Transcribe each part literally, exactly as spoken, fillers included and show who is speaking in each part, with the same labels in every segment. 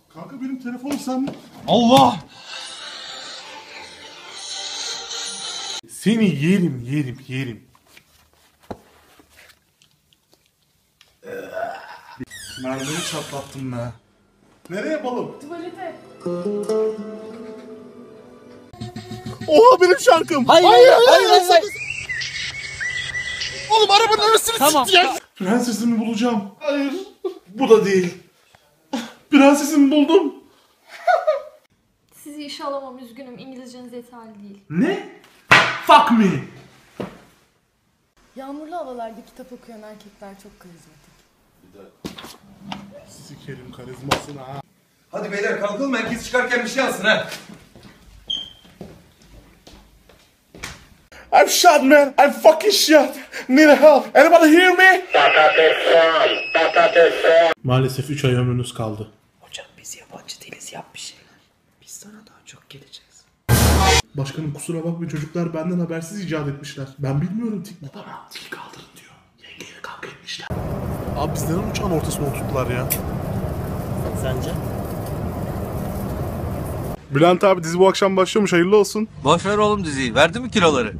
Speaker 1: Kanka benim telefonum sende.
Speaker 2: Allah!
Speaker 1: Seni yerim yerim yerim. Mermini çatlattım be. Nereye yapalım?
Speaker 3: Tuvalete.
Speaker 1: Oha benim şarkım.
Speaker 2: Hayır hayır hayır. hayır, hayır.
Speaker 1: Oğlum arabanın arasını
Speaker 2: Tamam.
Speaker 1: sikeceğim. Prensesimi bulacağım. Hayır. Bu da değil. Prensesimi buldum.
Speaker 3: Sizi işe alamam, üzgünüm. İngilizceniz yeterli değil.
Speaker 1: Ne? Fuck me.
Speaker 4: Yağmurlu havalarda kitap okuyan erkekler çok karizmatik.
Speaker 1: Sikerim karizmasını ha.
Speaker 5: Hadi beyler kalkalım, herkes çıkarken bir şey alsın ha.
Speaker 1: I'm shot man. I'm fucking shot. Need help. Anybody hear me? Maalesef üç ay ömrünüz kaldı.
Speaker 6: Hocam biz yabancı değiliz, yap bir şeyler. Biz sana daha çok geleceğiz.
Speaker 1: Başkanım kusura bakmayın, çocuklar benden habersiz icat etmişler. Ben bilmiyorum tik.
Speaker 6: Baba dil kaldırın diyor. Yengeyle kavga etmişler.
Speaker 1: Abi biz neden uçağın ortasına oturttular ya?
Speaker 6: Sence?
Speaker 1: Bülent abi dizi bu akşam başlıyormuş, hayırlı olsun.
Speaker 2: Boşver oğlum diziyi. Verdi mi kiloları?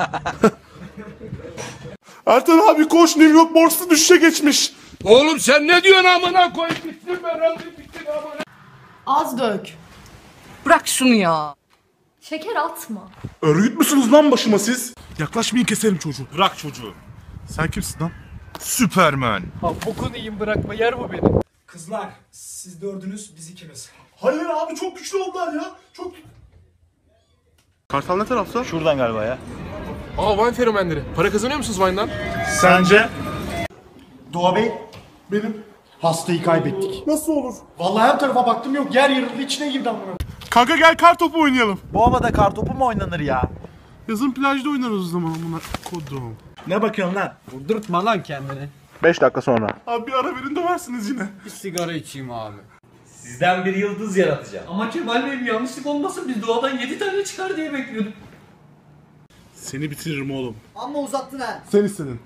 Speaker 1: Ertan abi koş, New York borsası düşüşe geçmiş.
Speaker 5: Oğlum sen ne diyorsun amına koy? Bittim ben aldım bittim amına.
Speaker 4: Az dök.
Speaker 6: Bırak şunu ya.
Speaker 3: Şeker atma.
Speaker 1: Örgüt müsünüz lan başıma siz? Yaklaşmayın, keserim çocuğu. Bırak çocuğu. Sen kimsin lan?
Speaker 2: Süpermen.
Speaker 5: Bokunu yiyeyim bırakma, yer bu beni. Kızlar siz dördünüz, biz ikimiz.
Speaker 1: Hayır abi, çok güçlü oldular ya. Çok... Kartal ne tarafta?
Speaker 2: Şuradan galiba ya.
Speaker 5: Aa, Vine fenomenleri. Para kazanıyor musunuz Vine'dan?
Speaker 1: Sence?
Speaker 7: Doğa Bey,
Speaker 1: Benim.
Speaker 7: hastayı kaybettik.
Speaker 1: Nasıl olur?
Speaker 7: Vallahi her tarafa baktım yok, yer yarıldı içine girdi amına.
Speaker 1: Kanka gel kar topu oynayalım.
Speaker 7: Bu havada kartopu mu oynanır ya?
Speaker 1: Yazın plajda oynarız o zaman buna. Kodum.
Speaker 7: Ne bakıyorsun lan?
Speaker 5: Vurdurtma lan kendini.
Speaker 1: beş dakika sonra. Abi bir ara verin, döversiniz yine.
Speaker 5: Bir sigara içeyim abi.
Speaker 6: Sizden bir yıldız yaratacağım.
Speaker 5: Ama Kemal Bey'im yanlışlık olmasın, biz doğadan yedi tane çıkar diye bekliyorduk.
Speaker 1: Seni bitiririm oğlum.
Speaker 7: Amma uzattın ha.
Speaker 1: Sen istedin.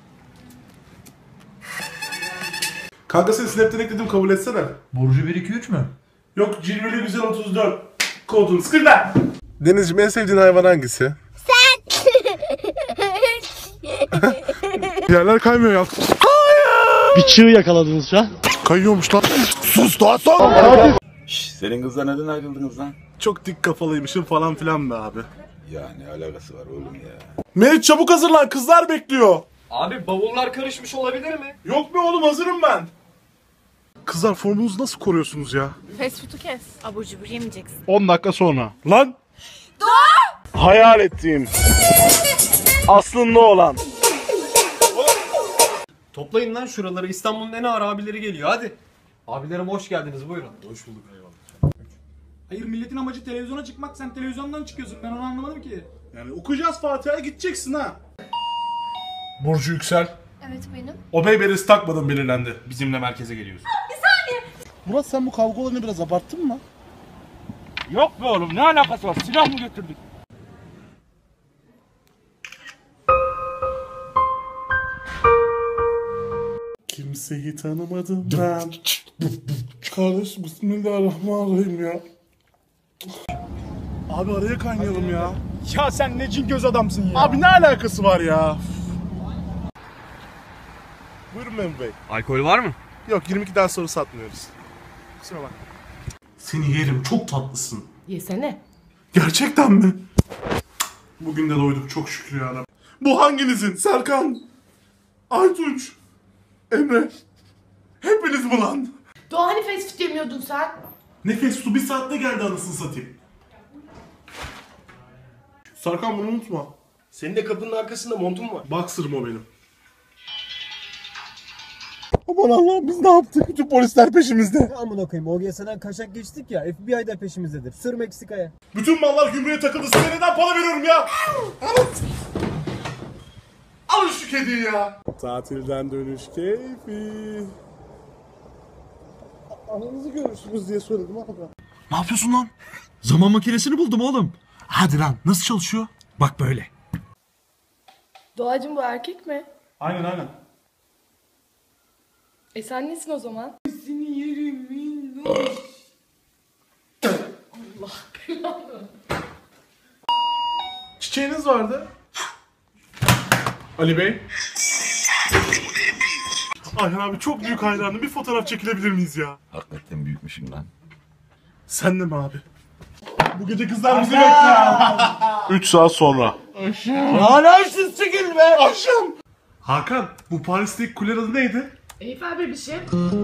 Speaker 1: Kanka seni Snap'ten ekledim, kabul etsene.
Speaker 5: Burcu bir iki üç mü?
Speaker 1: Yok, cilveli güzel otuz dört. Kodun sıkırda. Denizciğim, en sevdiğin hayvan hangisi? Sen. Yerler kaymıyor ya.
Speaker 7: Bir çığ yakaladınız şu an.
Speaker 1: Kayıyormuş lan. Sus daha son.
Speaker 8: Şşş, senin kızla neden ayrıldınız lan?
Speaker 1: Çok dik kafalıymışım falan filan be abi.
Speaker 8: Ya ne alakası var oğlum ya?
Speaker 1: Meriç çabuk hazırlan, kızlar bekliyor.
Speaker 5: Abi bavullar karışmış olabilir mi?
Speaker 1: Yok be oğlum, hazırım ben. Kızlar formunuzu nasıl koruyorsunuz ya?
Speaker 4: Fast food'u kes. Abur cubur yemeyeceksin.
Speaker 1: on dakika sonra. Lan! Doğa! Hayal ettiğim. Aslında olan.
Speaker 5: Toplayın lan şuraları, İstanbul'un en ağır abileri geliyor hadi. Abilerim hoş geldiniz, buyurun. Hoş bulduk, eyvallah.
Speaker 7: Hayır, milletin amacı televizyona çıkmak, sen televizyondan çıkıyorsun, ben onu anlamadım ki.
Speaker 1: Yani okuyacağız Fatiha'ya, gideceksin ha. Burcu Yüksel.
Speaker 3: Evet benim.
Speaker 1: O beyberiz takmadın, belirlendi. Bizimle merkeze geliyorsun. Bir saniye. Murat, sen bu kavga olayını biraz abarttın mı?
Speaker 2: Yok be oğlum, ne alakası var? Silah mı götürdük?
Speaker 1: Kimseyi tanımadım ben. Kardeş, bismillahirrahmanirrahim ya. Abi araya kaynayalım ya.
Speaker 7: Ya sen ne cin göz adamsın ya.
Speaker 1: Abi ne alakası var ya? Buyurun Memur Bey.
Speaker 2: Alkol var mı?
Speaker 1: Yok, yirmi ikiden sonra satmıyoruz. Kusura bakma. Seni yerim, çok tatlısın.
Speaker 4: Yesene.
Speaker 1: Gerçekten mi? Bugün de doyduk çok şükür ya. Bu hanginizin? Serkan, Aytunç, Emre. Hepiniz mi lan?
Speaker 4: Doğa hani fast food yemiyordun sen?
Speaker 1: Nefes su bir saatte geldi, anasını satayım. Serkan, bunu unutma.
Speaker 5: Senin de kapının arkasında montun var.
Speaker 1: Boxer'ım o benim. Aman Allah'ım, biz ne yaptık? Bütün polisler peşimizde.
Speaker 7: Amına koyayım, O G S'den kaçak geçtik ya, F B I de peşimizdedir. Sır Meksika'ya.
Speaker 1: Bütün mallar gümrüğe takıldı. Size neden para veriyorum ya? Alın. Alın şu kediyi ya. Tatilden dönüş keyfi. Ananızı görürsünüz diye söyledim abi. Ne yapıyorsun lan?
Speaker 2: Zaman makinesini buldum oğlum.
Speaker 1: Hadi lan, nasıl çalışıyor?
Speaker 2: Bak böyle.
Speaker 4: Doğacığım bu erkek mi?
Speaker 1: Aynen aynen.
Speaker 4: E sen nesin o zaman?
Speaker 1: şeyiniz vardı. Ali Bey. Ayhan abi çok büyük hayranım. Bir fotoğraf çekilebilir miyiz ya?
Speaker 8: Hakikaten büyükmüşüm lan.
Speaker 1: Sen de mi abi? Bu gece kızlar bizi bekliyor. üç saat sonra.
Speaker 6: Anamsız çıkın be.
Speaker 1: Akşam. Hakan, bu Paris'teki kulenin adı neydi?
Speaker 4: Eyfel bebişim.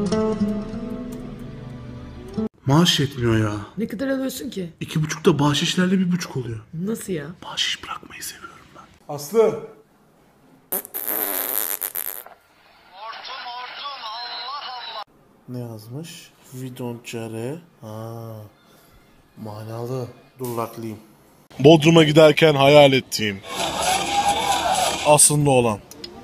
Speaker 1: Maaş yetmiyor ya.
Speaker 6: Ne kadar alıyorsun ki?
Speaker 1: İki buçukta bahşişlerle bir buçuk oluyor.
Speaker 6: Nasıl ya?
Speaker 1: Bahşiş bırakmayı seviyorum ben. Aslı. Ne yazmış? We don't care. Ha. Manalı. Dur baklıyım. Bodrum'a giderken hayal ettiğim. Aslında olan.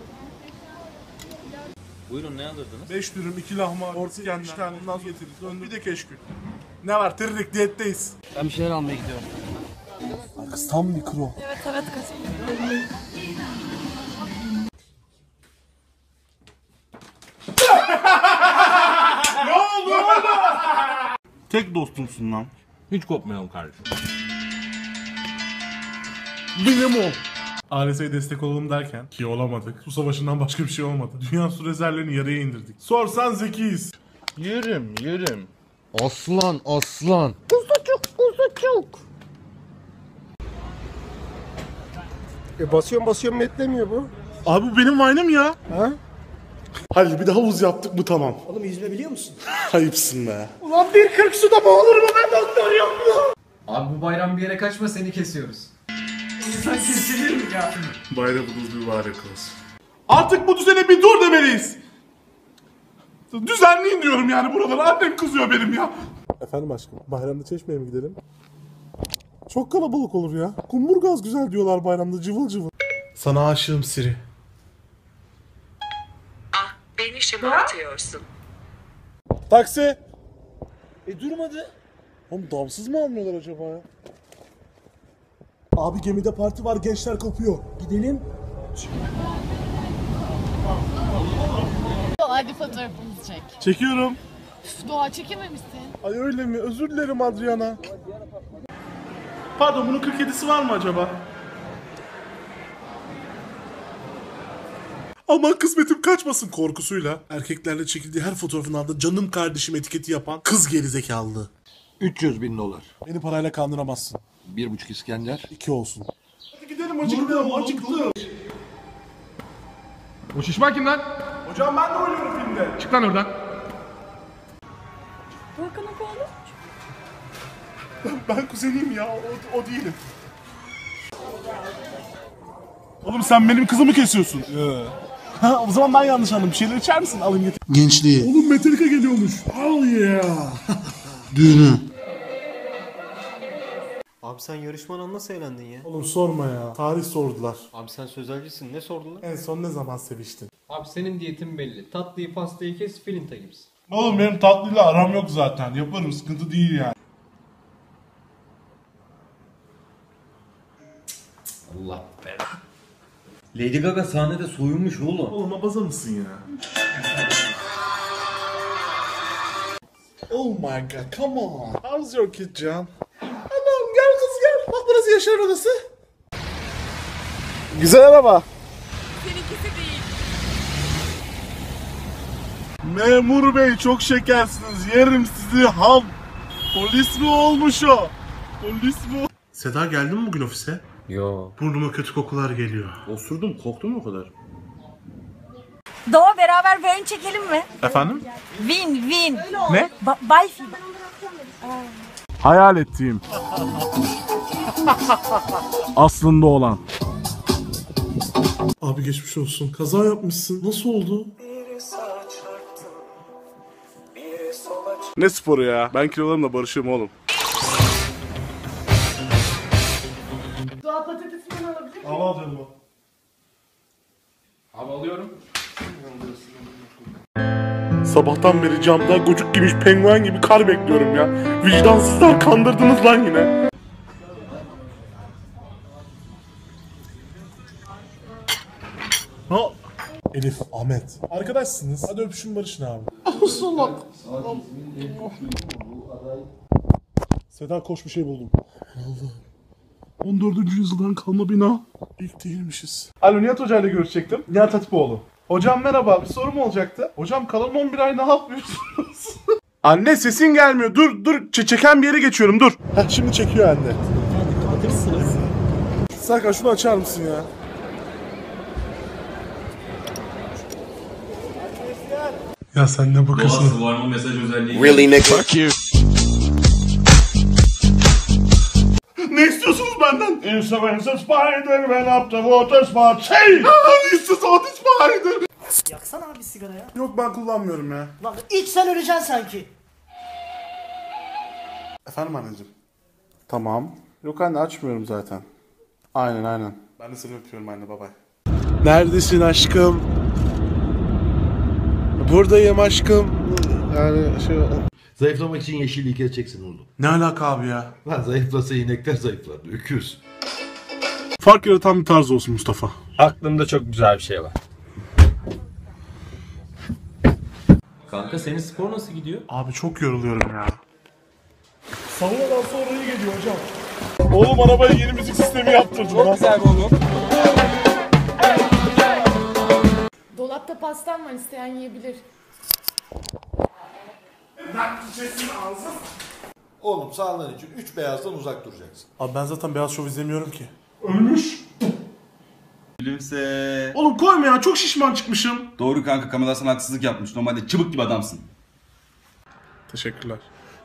Speaker 2: Buyurun ne alırdınız?
Speaker 1: Beş dürüm, iki lahmacun, orta İskender, iki tane naz getirdik. Döndü bir de keşkül. Ne var? Tırırık diyetteyiz.
Speaker 2: Ben bir şeyler almaya gidiyorum.
Speaker 1: Kız tam mikro.
Speaker 4: Evet evet kaçın.
Speaker 1: Tek dostumsun lan.
Speaker 2: Hiç kopmayalım kardeşim.
Speaker 1: Benim ol. A L S'ye destek olalım derken ki olamadık. Su savaşından başka bir şey olmadı. Dünya su rezervlerini yarıya indirdik. Sorsan zekiyiz.
Speaker 9: Yerim yerim. Aslan aslan.
Speaker 10: E basıyorum basıyorum netlemiyor bu.
Speaker 1: Abi bu benim Vine'ım ya.
Speaker 10: Ha?
Speaker 1: Hadi bir de havuz yaptık bu tamam.
Speaker 10: Oğlum yüzme biliyor musun?
Speaker 1: Ayıpsın be.
Speaker 10: Ulan bir kırk suda mı olur mu ben doktor yok mu?
Speaker 5: Abi bu bayram bir yere kaçma, seni kesiyoruz.
Speaker 10: İnsan kesilir mi ya?
Speaker 1: Bayramınız mübarek olsun. Artık bu düzene bir dur demeliyiz. Düzenleyin diyorum yani buraları. Annem kızıyor benim ya. Efendim aşkım, bayramda Çeşme'ye mi gidelim? Çok kalabalık olur ya. Kumburgaz güzel diyorlar bayramda, cıvıl cıvıl. Sana aşığım Siri.
Speaker 6: Ah beni şımartıyorsun.
Speaker 1: Taksi.
Speaker 10: E durmadı.
Speaker 1: Oğlum damsız mı almıyorlar acaba ya? Abi gemide parti var, gençler kopuyor.
Speaker 10: Gidelim.
Speaker 4: Hadi fotoğrafımızı çek.
Speaker 1: Çekiyorum.
Speaker 4: Üf, Doğa çekememişsin.
Speaker 1: Ay öyle mi? Özür dilerim Adriana. Pardon, bunun kırk yedisi var mı acaba? Aman kısmetim kaçmasın korkusuyla. Erkeklerle çekildiği her fotoğrafın altında canım kardeşim etiketi yapan kız gerizekalı.
Speaker 9: üç yüz bin dolar.
Speaker 1: Beni parayla kandıramazsın.
Speaker 9: Bir buçuk İskender.
Speaker 1: İki olsun. Hadi gidelim, acıktım acıktım.
Speaker 7: O şişman kim lan?
Speaker 1: Hocam ben de oynuyorum filmde.
Speaker 7: Çık lan oradan.
Speaker 1: Ben kuzeniyim ya, o, o değilim. Oğlum sen benim kızımı kesiyorsun. Ha, o zaman ben yanlış anladım. Bir şeyler içer misin? Alayım getir. Gençliği. Oğlum Metallica geliyormuş. Oh yeah. Düğünü.
Speaker 5: Abi sen yarışmadan nasıl eğlendin ya?
Speaker 1: Oğlum sorma ya. Tarih sordular.
Speaker 5: Abi sen sözelcisin, ne sordular?
Speaker 1: En son ne zaman seviştin?
Speaker 5: Abi senin diyetin belli. Tatlıyı pastayı kes, filinta gibisin.
Speaker 1: Oğlum benim tatlıyla aram yok zaten. Yaparım, sıkıntı değil yani.
Speaker 2: Allah be. Lady Gaga sahnede soyunmuş oğlum.
Speaker 1: Oğlum abaza mısın ya? Oh my god, come on. How's your kid Can? Allah'ım gel kız gel. Bak burası Yaşar odası. Güzel araba.
Speaker 4: Seninkisi değil.
Speaker 1: Memur bey çok şekersiniz. Yerim sizi ham. Polis mi olmuş o? Polis mi? Seda geldin mi bugün ofise?
Speaker 2: Yo.
Speaker 1: Burnuma kötü kokular geliyor.
Speaker 2: Osurdum, korktun mu o kadar?
Speaker 4: Doğa beraber bir oyun çekelim mi?
Speaker 1: Efendim?
Speaker 4: Win win.
Speaker 1: Ne?
Speaker 4: Ba- Bay
Speaker 1: Hayal ettiğim. Aslında olan. Abi geçmiş olsun. Kaza yapmışsın. Nasıl oldu? Ne sporu ya? Ben kilolarımla barışığım oğlum.
Speaker 4: Doğa patatesinden alabilir miyim?
Speaker 1: Al al canım o.
Speaker 5: Abi alıyorum.
Speaker 1: Sabahtan beri camda gocuk giymiş penguen gibi kar bekliyorum ya. Vicdansızlar, kandırdınız lan yine. Ha. Elif, Ahmet. Arkadaşsınız. Hadi öpüşün barışın abi. Salak. Seda koş, bir şey buldum. Allah'ım. on dördüncü yüzyıldan kalma bina. İlk değilmişiz. Alo, Nihat Hoca ile görüşecektim. Nihat Hatipoğlu. Hocam merhaba, bir sorum olacaktı. Hocam kalan on bir ay ne yapıyorsunuz? Anne sesin gelmiyor. Dur dur Ç- çeken bir yere geçiyorum dur. Heh, şimdi çekiyor anne. Kapatırsınız. Serkan şunu açar mısın ya? Ya sen ne bakıyorsun?
Speaker 2: Var mı mesaj özelliği?
Speaker 8: Really nigga? Fuck you.
Speaker 1: Ne istiyorsunuz benden? It's a spider went up the water spout. Hey! It's a spider.
Speaker 10: Yaksana abi sigara ya.
Speaker 1: Yok ben kullanmıyorum ya.
Speaker 10: Lan iç sen öleceksin sanki.
Speaker 1: Efendim anneciğim. Tamam. Yok anne açmıyorum zaten. Aynen aynen. Ben de seni öpüyorum anne, bye bye. Neredesin aşkım? Buradayım aşkım. Yani şey...
Speaker 9: Zayıflamak için yeşilliği keseceksin oğlum.
Speaker 1: Ne alaka abi ya?
Speaker 9: Lan zayıflasa inekler zayıflar. Öküz.
Speaker 1: Fark yaratan bir tarz olsun Mustafa.
Speaker 5: Aklımda çok güzel bir şey var.
Speaker 2: Kanka senin spor nasıl gidiyor?
Speaker 1: Abi çok yoruluyorum ya. Savunadan sonra iyi geliyor hocam. Oğlum arabaya yeni müzik sistemi yaptırdım. Çok güzel oğlum.
Speaker 3: Dolapta pastam var, isteyen yiyebilir.
Speaker 9: Oğlum sağlığın için üç beyazdan uzak duracaksın.
Speaker 1: Abi ben zaten Beyaz Şov izlemiyorum ki.
Speaker 8: Gülümse.
Speaker 1: Oğlum koyma ya, çok şişman çıkmışım.
Speaker 8: Doğru kanka, kameralar sana haksızlık yapmış. Normalde çıbık gibi adamsın.
Speaker 1: Teşekkürler.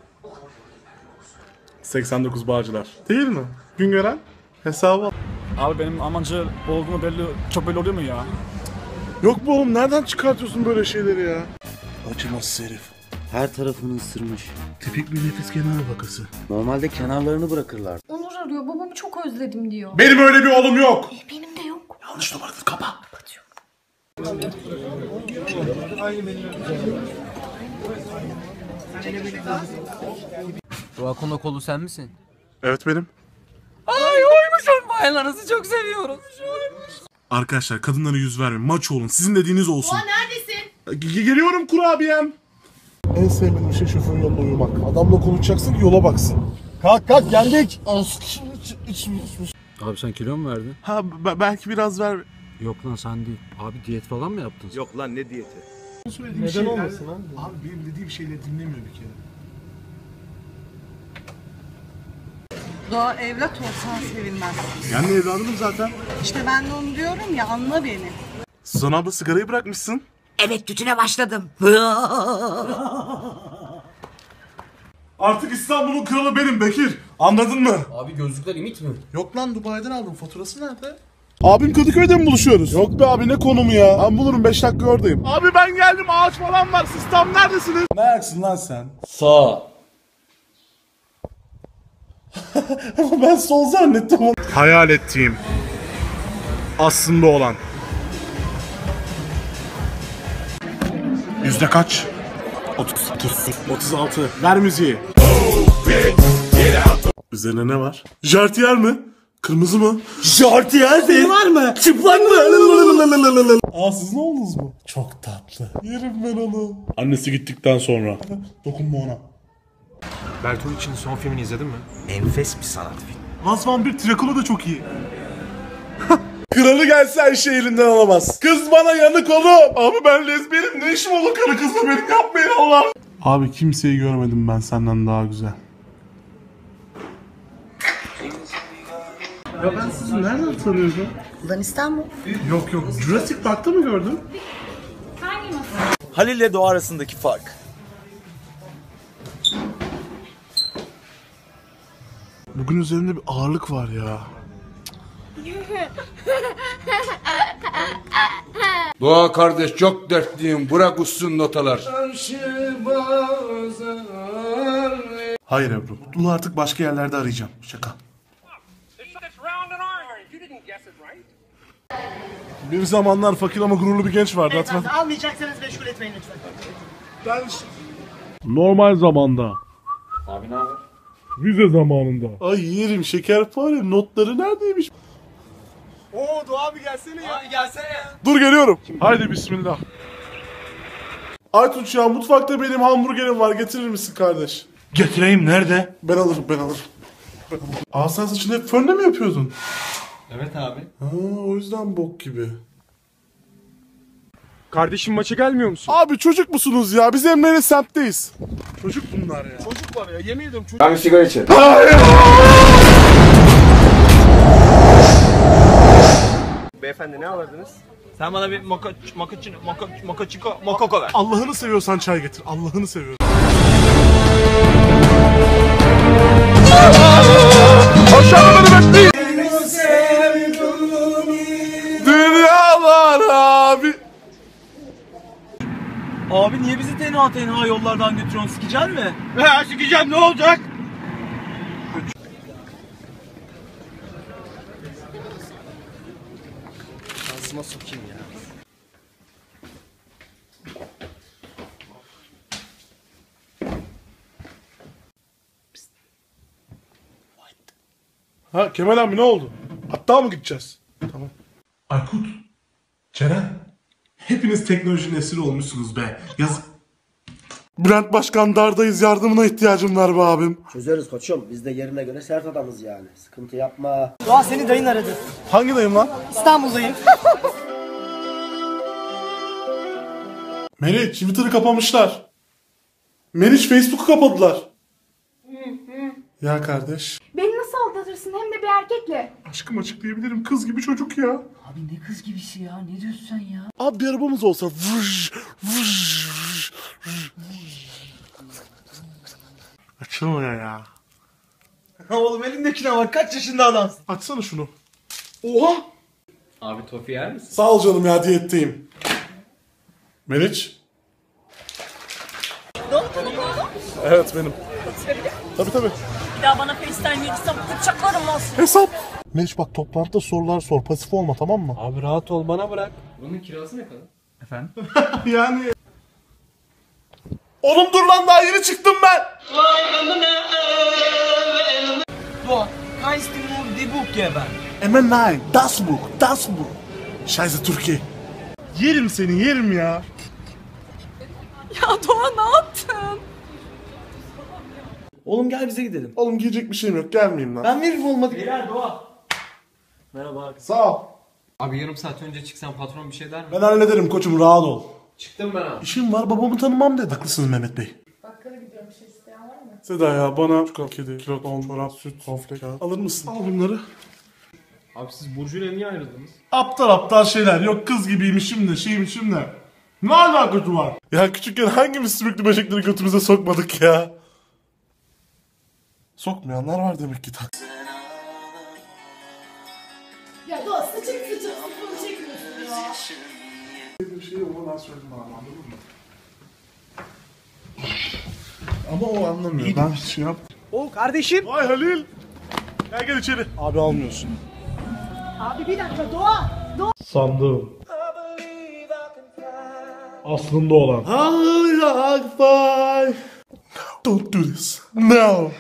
Speaker 1: seksen dokuz Bağcılar. Değil mi? Güngören hesabı al.
Speaker 7: Abi benim amancı olduğumu belli, çok belli oluyor mu ya?
Speaker 1: Yok bu oğlum, nereden çıkartıyorsun böyle şeyleri ya? Acımasız herif.
Speaker 6: Her tarafını ısırmış.
Speaker 1: Tipik bir nefis kenar vakası.
Speaker 6: Normalde kenarlarını bırakırlar.
Speaker 3: Onur arıyor, babamı çok özledim diyor.
Speaker 1: Benim öyle bir oğlum yok.
Speaker 3: E, benim de yok.
Speaker 1: Yanlış numaradır, kapa.
Speaker 5: Roakon kolu sen misin?
Speaker 1: Evet benim.
Speaker 4: Ay oymuşum. Bayanlarınızı çok seviyoruz.
Speaker 1: Arkadaşlar kadınlara yüz vermeyin. Maç olun. Sizin dediğiniz olsun.
Speaker 3: Aa, neredesin?
Speaker 1: G- geliyorum kurabiyem. En sevmediğim şey şoförün yanında uyumak. Adamla konuşacaksın ki yola baksın.
Speaker 7: Kalk kalk geldik.
Speaker 5: Abi sen kilo mu verdin?
Speaker 1: Ha b- belki biraz ver.
Speaker 5: Yok lan sen değil. Abi diyet falan mı yaptın?
Speaker 8: Yok lan ne diyeti?
Speaker 1: Neden şeyler... olmasın abi? Abi benim dediğim şeyleri dinlemiyor bir kere.
Speaker 4: Doğa evlat olsan sevilmez.
Speaker 1: Yani evladım zaten.
Speaker 4: İşte ben de onu diyorum ya, anla beni.
Speaker 1: Suzan abla sigarayı bırakmışsın.
Speaker 4: Evet, tütüne başladım.
Speaker 1: Artık İstanbul'un kralı benim Bekir. Anladın mı?
Speaker 5: Abi gözlükler imit mi?
Speaker 1: Yok lan, Dubai'den aldım. Faturası nerede? Abim Kadıköy'de mi buluşuyoruz? Yok be abi, ne konumu ya? Ben bulurum, beş dakika oradayım. Abi ben geldim, ağaç falan var. Siz tam neredesiniz? Ne ayaksın lan sen?
Speaker 5: Sağ.
Speaker 1: Ama ben sol zannettim onu. Hayal ettiğim. Aslında olan. Yüzde kaç? otuz otuz altı. Ver müziği. Üzerine ne var? Jartiyer mi? Kırmızı mı? Jartiyer senin var mı? Çıplak mı? Aa, siz ne oldunuz mu? Çok tatlı. Yerim ben onu. Annesi gittikten sonra. Dokunma ona.
Speaker 5: Bertolucci'nin son filmini izledin mi?
Speaker 6: Enfes bir sanat filmi.
Speaker 1: Last Vampir Dracula da çok iyi. Kralı gelse her şey elinden alamaz. Kız bana yanık oğlum. Abi ben lezbiyenim, ne işim olur karı kızla, benim yapmayın Allah. Abi kimseyi görmedim ben senden daha güzel. Ya ben sizi nereden tanıyorum?
Speaker 4: Ulan İstanbul.
Speaker 1: Yok yok, Jurassic Park'ta mı gördün?
Speaker 10: Halil ile Doğa arasındaki fark.
Speaker 1: Bugün üzerimde bir ağırlık var ya.
Speaker 9: Doğa kardeş çok dertliyim. Bırak uçsun notalar.
Speaker 1: Hayır Ebru, bunu artık başka yerlerde arayacağım. Şaka. Bir zamanlar fakir ama gururlu bir genç vardı.
Speaker 10: Evet, almayacaksanız meşgul etmeyin lütfen.
Speaker 1: Ben... Normal zamanda.
Speaker 5: Abi ne haber?
Speaker 1: Vize zamanında. Ay yerim şekerpare, notları neredeymiş?
Speaker 10: Oo Doğa abi gelsene ya. Abi gelsene.
Speaker 1: Dur geliyorum. Haydi bismillah. Aytunç ya, mutfakta benim hamburgerim var, getirir misin kardeş?
Speaker 10: Getireyim, nerede?
Speaker 1: Ben alırım ben alırım. Aa sen saçını hep fönle mi yapıyordun?
Speaker 5: Evet abi.
Speaker 1: Ha, o yüzden bok gibi.
Speaker 7: Kardeşim maça gelmiyor musun?
Speaker 1: Abi çocuk musunuz ya? Biz Emre'nin semtteyiz. Çocuk bunlar ya.
Speaker 7: Çocuk var ya yemin ediyorum çocuk.
Speaker 9: Ben bir sigara içerim.
Speaker 10: Beyefendi ne alırdınız?
Speaker 7: Sen bana bir moka mokaçino moka mokaçiko mokoko ver.
Speaker 1: Allah'ını seviyorsan çay getir. Allah'ını seviyorsan. Aşağıda beni bekleyin. Dünyalar abi.
Speaker 7: Abi niye bizi tenha tenha yollardan götürüyorsun? Sikeceksin mi? He sikeceğim ne olacak?
Speaker 10: Ağzıma sokayım ya.
Speaker 1: Ha Kemal abi ne oldu? Hatta mı gideceğiz? Tamam. Aykut, Ceren, hepiniz teknolojinin esiri olmuşsunuz be. Yazık. Bülent Başkan dardayız, yardımına ihtiyacım var be abim.
Speaker 10: Çözeriz koçum. Biz de yerine göre sert adamız yani. Sıkıntı yapma. Doğa seni dayın aradı.
Speaker 1: Hangi dayım lan?
Speaker 10: İstanbul'dayım.
Speaker 1: Meriç, Twitter'ı kapamışlar. Meriç, Facebook'u kapadılar. Ya kardeş.
Speaker 3: Beni nasıl aldatırsın hem de bir erkekle?
Speaker 1: Aşkım açıklayabilirim, kız gibi çocuk ya.
Speaker 6: Abi ne kız gibisi ya? Ne diyorsun sen ya?
Speaker 1: Abi bir arabamız olsa vıj, vıj, vıj, vıj. Açılmıyor ya.
Speaker 7: Oğlum elindekine var kaç yaşında adamsın?
Speaker 1: Açsana şunu. Oha!
Speaker 5: Abi tofi yer misin?
Speaker 1: Sağ ol canım ya, diyetteyim. Meriç? Evet benim. Tabii tabii.
Speaker 3: Bir daha bana FaceTime verirsen bıçaklarım olsun.
Speaker 1: Hesap. Meriç bak toplantıda sorular sor. Pasif olma, tamam mı?
Speaker 5: Abi rahat ol bana bırak. Bunun kirası ne kadar? Efendim?
Speaker 1: Yani. Oğlum dur lan, daha yeni çıktım ben.
Speaker 7: Doğa, kannst du mir die Buch geben?
Speaker 1: Emen nein. Das Buch. Das Buch. Scheiße Türkiye. Yerim seni, yerim ya.
Speaker 3: Ya Doğa ne yaptın?
Speaker 10: Oğlum gel bize gidelim.
Speaker 1: Oğlum giyecek bir şeyim yok, gelmeyeyim lan.
Speaker 10: Ben veririm olmadı.
Speaker 7: Beyler Doğa.
Speaker 10: Merhaba abi.
Speaker 1: Sağ ol.
Speaker 5: Abi yarım saat önce çıksan patron bir şey der mi?
Speaker 1: Ben hallederim koçum, rahat ol.
Speaker 5: Çıktım ben abi.
Speaker 1: İşim var, babamı tanımam dedi. Haklısınız Mehmet Bey.
Speaker 3: Bakkala gidiyorum, bir şey isteyen var mı?
Speaker 1: Seda ya bana çikolata, kedi, kilo, don, çorap, süt, sofle, kağıt. Alır mısın? Al bunları.
Speaker 5: Abi siz Burcu'yla niye ayrıldınız?
Speaker 1: Aptal aptal şeyler. Yok kız gibiymişim de şeymişim de. Ne alakası var? Ya küçükken hangimiz sümüklü böcekleri götümüze sokmadık ya? Sokmayanlar var demek ki.
Speaker 3: Ya Doğa sıçık sıçık sıfırını çekmiyorsun ya.
Speaker 1: Bir şey ona ben söyledim abi, anladın mı? Ama o anlamıyor. Ben şey yap.
Speaker 7: O kardeşim.
Speaker 1: Vay Halil. Gel gel içeri. Abi almıyorsun.
Speaker 3: Abi bir dakika Doğa. Doğa.
Speaker 1: Sandım. Aslında olan. Hayır, don't do this. No.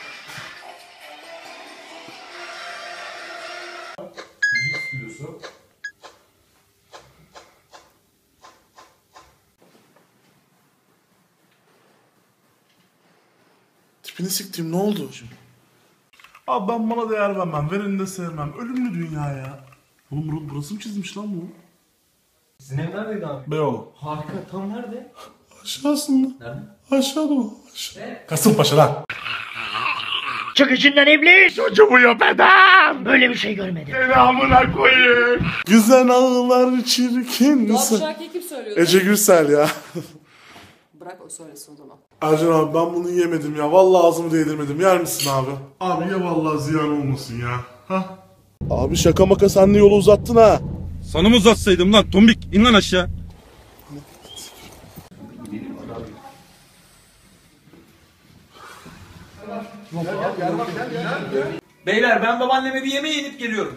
Speaker 1: Tipini siktiğim ne oldu? Abi ben bana değer vermem, vereni de sevmem. Ölümlü dünya ya. Oğlum bur- burası mı çizmiş lan bu?
Speaker 5: Sizin ev neredeydi abi?
Speaker 1: Beyoğlu.
Speaker 5: Harika, tam nerede?
Speaker 1: Aşağısında.
Speaker 5: Nerede?
Speaker 1: Aşağıda o. Aşağı. Kasımpaşa lan.
Speaker 10: Çık içinden iblis.
Speaker 1: Çocuğumu yapedem.
Speaker 10: Böyle bir şey görmedim.
Speaker 1: Seni amına koyayım. Güzel ağlar çirkin.
Speaker 3: Doğa bu şarkıyı kim söylüyordu?
Speaker 1: Ece Gürsel ya.
Speaker 3: Bırak o söylesin o zaman.
Speaker 1: Ercan abi ben bunu yemedim ya. Vallahi ağzımı değdirmedim. Yer misin abi? Abi ye vallahi ziyan olmasın ya. Hah. Abi şaka maka sen de yolu uzattın ha.
Speaker 8: Sana mı uzatsaydım lan tombik? İn lan aşağı.
Speaker 7: Beyler ben babaanneme bir yemeğe inip geliyorum.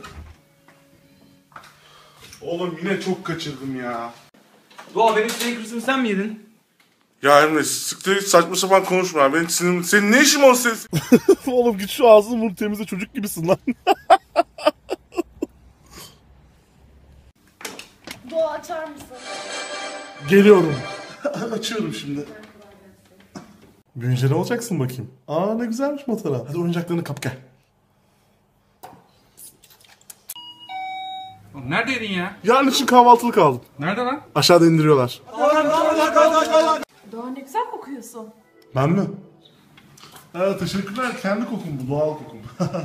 Speaker 1: Oğlum yine çok kaçırdım ya.
Speaker 7: Doğa benim Snickers'ımı sen mi yedin?
Speaker 1: Ya Emre siktir hiç saçma sapan konuşma ya. Benim sinirim... Senin ne işin var ses? Oğlum git şu ağzını vur temizle, çocuk gibisin lan.
Speaker 3: Doğa açar mısın?
Speaker 1: Geliyorum. Açıyorum şimdi. Büyünce ne olacaksın bakayım? Aa ne güzelmiş matara. Hadi oyuncaklarını kap gel.
Speaker 8: Oğlum neredeydin ya?
Speaker 1: Yarın için kahvaltılık aldım.
Speaker 8: Nerede lan?
Speaker 1: Aşağıda indiriyorlar.
Speaker 3: Doğa ne güzel kokuyorsun.
Speaker 1: Ben mi? Evet, teşekkürler. Kendi kokum bu, doğal kokum.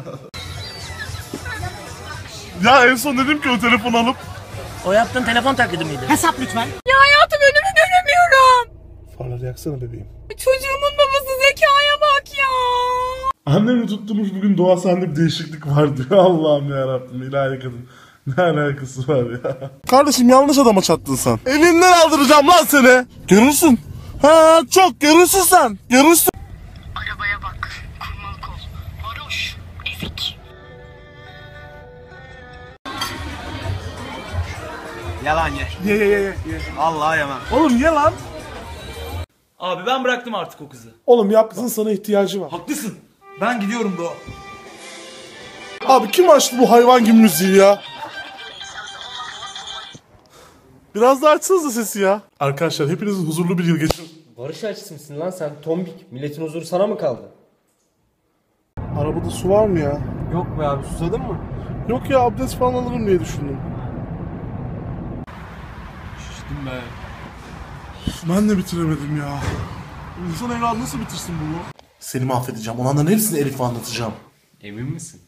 Speaker 1: Ya en son dedim ki o telefonu alıp.
Speaker 6: O yaptığın telefon taklidi miydi? Hesap lütfen.
Speaker 3: Ya hayatım önümü göremiyorum.
Speaker 1: Farları yaksana bebeğim.
Speaker 3: Çocuğumun babası Zeka'ya bak ya.
Speaker 1: Annemi tutturmuş bugün, Doğa sende bir değişiklik var diyor. Allah'ım yarabbim, ilahi kadın. Ne alakası var ya? Kardeşim yanlış adama çattın sen. Elinden aldıracağım lan seni. Görürsün. Ha çok görürsün sen. Görürsün.
Speaker 3: Arabaya bak. Kurmalık ol. Varoş. Ezik.
Speaker 10: Yalan ye.
Speaker 1: Ye ye ye ye.
Speaker 10: Vallahi yemem.
Speaker 1: Oğlum ye lan.
Speaker 4: Abi ben bıraktım artık o kızı.
Speaker 1: Oğlum yap, kızın sana ihtiyacı var.
Speaker 4: Haklısın. Ben gidiyorum Doğa.
Speaker 1: Abi kim açtı bu hayvan gibi müziği ya? Biraz daha açsanıza sesi ya. Arkadaşlar hepiniz huzurlu bir yıl geçirin.
Speaker 10: Barış açısı mısın lan sen tombik? Milletin huzuru sana mı kaldı?
Speaker 1: Arabada su var mı ya?
Speaker 10: Yok be abi, susadın mı?
Speaker 1: Yok ya, abdest falan alırım diye düşündüm.
Speaker 8: Şiştim be.
Speaker 1: Ben de bitiremedim ya. İnsan evladı nasıl bitirsin bunu? Seni mahvedeceğim. Olanların hepsini Elif'e anlatacağım.
Speaker 2: Emin misin?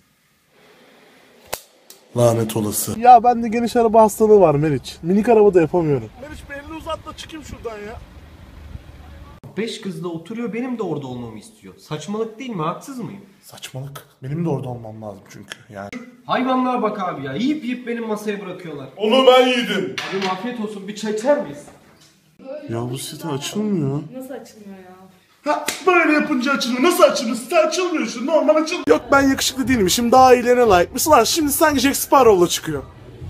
Speaker 1: Lanet olası. Ya bende geniş araba hastalığı var Meriç. Minik araba da yapamıyorum. Meriç bir elini uzat da çıkayım şuradan ya.
Speaker 5: Beş kız da oturuyor, benim de orada olmamı istiyor. Saçmalık değil mi? Haksız mıyım?
Speaker 1: Saçmalık. Benim de orada olmam lazım çünkü yani.
Speaker 5: Hayvanlar bak abi ya. Yiyip yiyip benim masaya bırakıyorlar.
Speaker 1: Onu ben yedim.
Speaker 5: Abi afiyet olsun. Bir çay içer miyiz?
Speaker 1: Ya bu site açılmıyor.
Speaker 3: Nasıl açılmıyor ya?
Speaker 1: Ha böyle yapınca açılıyor. Nasıl açılıyor? Site açılmıyor şu. Normal açılıyor. Yok ben yakışıklı değilmişim. Daha iyilerine layıkmışsın. Lan şimdi sanki Jack Sparrow'la çıkıyor.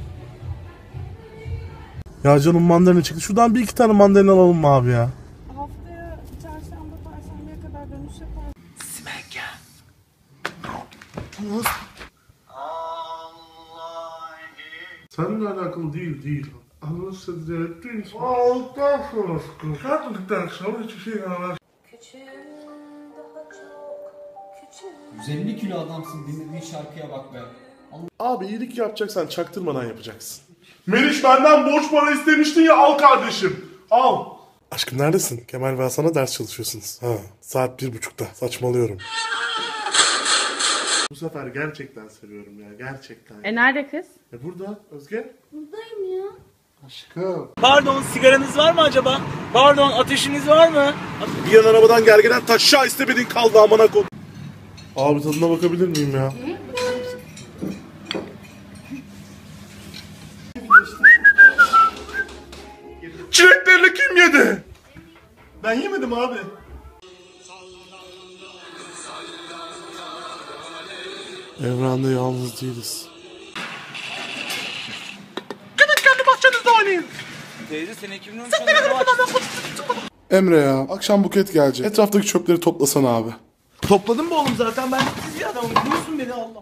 Speaker 1: Ya canım mandalina çıktı. Şuradan bir iki tane mandalina alalım mı abi ya?
Speaker 3: Haftaya çarşamba perşembeye kadar dönüş yapar.
Speaker 1: Seninle alakalı değil değil. Anlaşıldı diye değil. Aldıktan sonra sıkıntı. Kalktıktan sonra hiçbir şey yaramaz.
Speaker 3: Küçüğüm daha çok küçüğüm.
Speaker 5: yüz elli kilo adamsın, dinlediğin şarkıya bak be.
Speaker 1: Abi iyilik yapacaksan çaktırmadan yapacaksın. Meriç benden borç para istemiştin ya, al kardeşim. Al. Aşkım neredesin? Kemal ve Hasan'a ders çalışıyorsunuz. Ha, saat bir buçukta. Saçmalıyorum. Bu sefer gerçekten seviyorum ya, gerçekten.
Speaker 3: E nerede kız?
Speaker 1: E burada Özge.
Speaker 3: Buradayım ya.
Speaker 1: Aşkım.
Speaker 4: Pardon, sigaranız var mı acaba? Pardon, ateşiniz var mı?
Speaker 1: Bir yan arabadan gergeden taşşağı istemedin kaldı amına kod. Abi tadına bakabilir miyim ya? Çileklerini kim yedi? Ben yemedim abi. Evrende yalnız değiliz. Gidin kendi bahçenizde oynayın.
Speaker 4: Teyze sen iki bin on üç yılında
Speaker 1: Emre ya, akşam Buket gelecek. Etraftaki çöpleri toplasana abi.
Speaker 4: topladım mı oğlum zaten? Ben siz bir adamım. Biliyorsun beni Allah.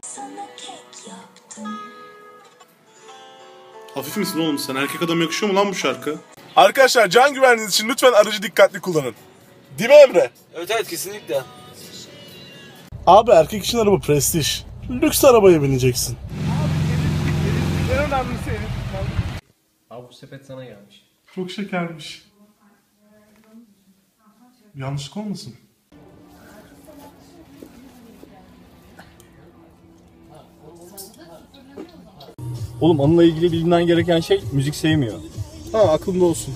Speaker 1: Hafif misin oğlum sen? Erkek adam yakışıyor mu lan bu şarkı? Arkadaşlar can güvenliğiniz için lütfen aracı dikkatli kullanın. Değil mi Emre?
Speaker 4: Evet evet kesinlikle.
Speaker 1: Abi erkek için araba prestij. Lüks arabaya bineceksin. En önemlisi.
Speaker 5: Abi bu sepet sana gelmiş.
Speaker 1: Çok şekermiş. Yanlışlık olmasın?
Speaker 7: Oğlum onunla ilgili bilinen gereken şey müzik sevmiyor.
Speaker 1: Ha aklımda olsun.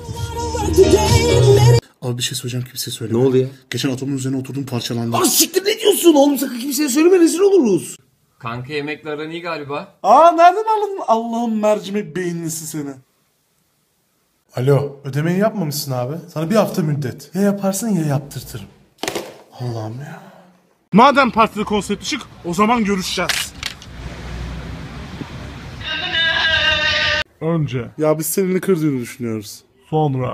Speaker 1: Abi bir şey söyleyeceğim, kimseye söyleme.
Speaker 10: Ne oldu ya?
Speaker 1: Geçen atomun üzerine oturdum, parçalandı.
Speaker 10: Aa siktir, ne diyorsun oğlum, sakın kimseye söyleme, rezil oluruz.
Speaker 2: Kanka yemekle aran iyi galiba.
Speaker 1: Aa nereden anladın? Allah'ım mercimek beyinlisi seni. Alo, ödemeyi yapmamışsın abi. Sana bir hafta müddet. Ya yaparsın ya yaptırtırım. Allah'ım ya. Madem partide konsept çık, o zaman görüşeceğiz. Önce. Ya biz seninle kırdığını düşünüyoruz. Sonra.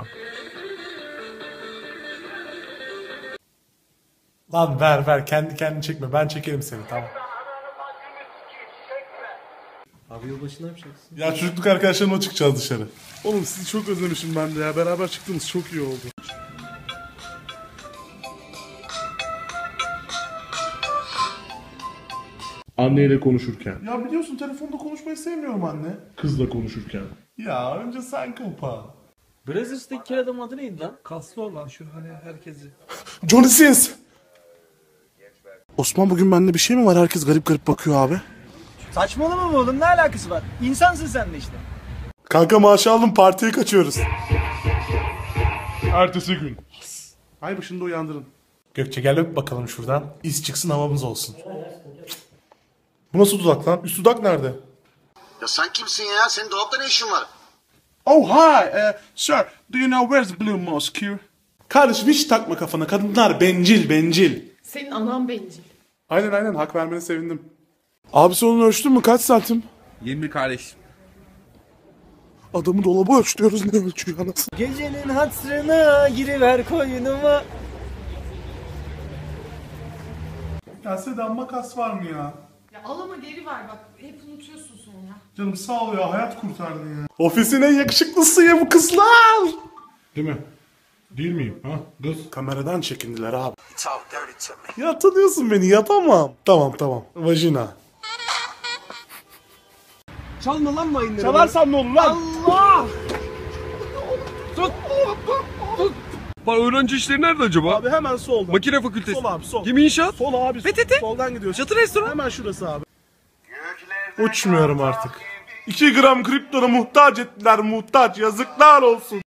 Speaker 1: Lan ver ver, kendi kendini çekme, ben çekerim seni, tamam.
Speaker 5: Abi yılbaşı ne yapacaksın?
Speaker 1: Ya çocukluk arkadaşlarımla çıkacağız dışarı. Oğlum sizi çok özlemişim ben de ya, beraber çıktığımız çok iyi oldu. Anneyle konuşurken. Ya biliyorsun telefonda konuşmayı sevmiyorum anne. Kızla konuşurken. Ya önce sen kapa.
Speaker 7: Brazzers'taki kel adamın adı neydi lan? Kaslı olan şu hani herkesi.
Speaker 1: Johnny Sins. Osman bugün bende bir şey mi var? Herkes garip garip bakıyor abi.
Speaker 7: Saçmalama mı oğlum, ne alakası var? İnsansın sen de işte.
Speaker 1: Kanka maaşı aldım, partiye kaçıyoruz. Ertesi gün. Ay başında uyandırın. Gökçe gel öp bakalım şuradan. İz çıksın, havamız olsun. Bu nasıl dudak lan? Üst dudak nerede?
Speaker 10: Ya sen kimsin ya? Senin dolapta ne işin var?
Speaker 1: Oh hi, uh, sir. Do you know where's the Blue Mosque? Kardeşim hiç takma kafana. Kadınlar bencil, bencil.
Speaker 3: Senin anan bencil.
Speaker 1: Aynen aynen, hak vermene sevindim. Abi sen onu ölçtün mü? Kaç santim?
Speaker 8: yirmi kardeşim.
Speaker 1: Adamı dolaba ölçtürüyoruz, ne ölçüyor anasını?
Speaker 7: Gecenin hatırına giriver koynuma.
Speaker 1: Ya Sedan makas var mı ya?
Speaker 3: Ya al ama geri ver bak. Hep unutuyorsun sonra.
Speaker 1: Canım sağ ol ya, hayat kurtardın ya. Ofisin en yakışıklısı ya bu kızlar. Değil mi? Değil miyim ha kız? Kameradan çekindiler abi. Ya tanıyorsun beni, yapamam. Tamam tamam, vajina.
Speaker 7: Çalma lan mayınları.
Speaker 1: Çalarsam ne olur lan?
Speaker 7: Allah!
Speaker 8: Bak öğrenci işleri nerede acaba?
Speaker 1: Abi hemen solda.
Speaker 8: Makine fakültesi.
Speaker 1: Sol abi sol.
Speaker 8: Gemi inşaat.
Speaker 1: Sol abi.
Speaker 8: P T T.
Speaker 1: Soldan gidiyorsun.
Speaker 8: Çatı restoran.
Speaker 1: Hemen şurası abi. Uçmuyorum artık. iki gram kriptona muhtaç ettiler, muhtaç, yazıklar olsun.